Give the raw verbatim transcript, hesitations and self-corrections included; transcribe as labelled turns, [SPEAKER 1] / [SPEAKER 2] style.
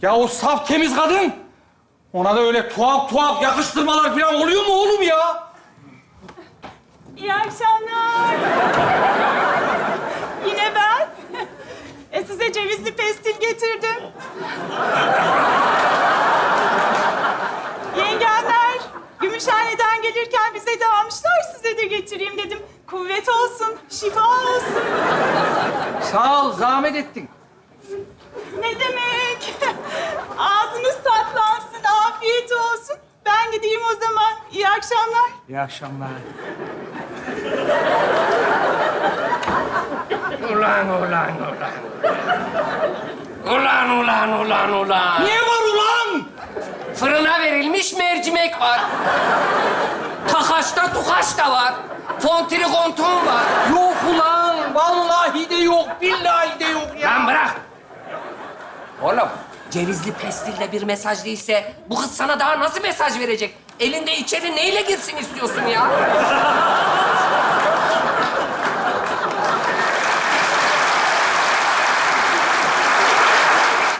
[SPEAKER 1] Ya o saf temiz kadın, ona da öyle tuhaf tuhaf yakıştırmalar falan oluyor mu oğlum ya?
[SPEAKER 2] İyi akşamlar. Yine ben. E size cevizli pestil getirdim. Yengenler, Gümüşhane'den gelirken bize de almışlar, size de getireyim dedim. Kuvvet olsun, şifa olsun.
[SPEAKER 1] Sağ ol, zahmet ettin.
[SPEAKER 2] Ne demek? Ağzınız tatlansın, afiyet olsun. Ben gideyim o zaman. İyi akşamlar.
[SPEAKER 1] İyi akşamlar.
[SPEAKER 3] Ulan, ulan, ulan. Ulan, ulan, ulan, ulan.
[SPEAKER 1] Niye var ulan?
[SPEAKER 3] Fırına verilmiş mercimek var. Takaşta tukaş da var. Fontrikonton var.
[SPEAKER 1] Yok ulan, vallahi de yok, billahi de yok ya.
[SPEAKER 3] Lan bırak. Oğlum, cevizli pestilde bir mesaj değilse bu kız sana daha nasıl mesaj verecek? Elinde içeri neyle girsin istiyorsun ya?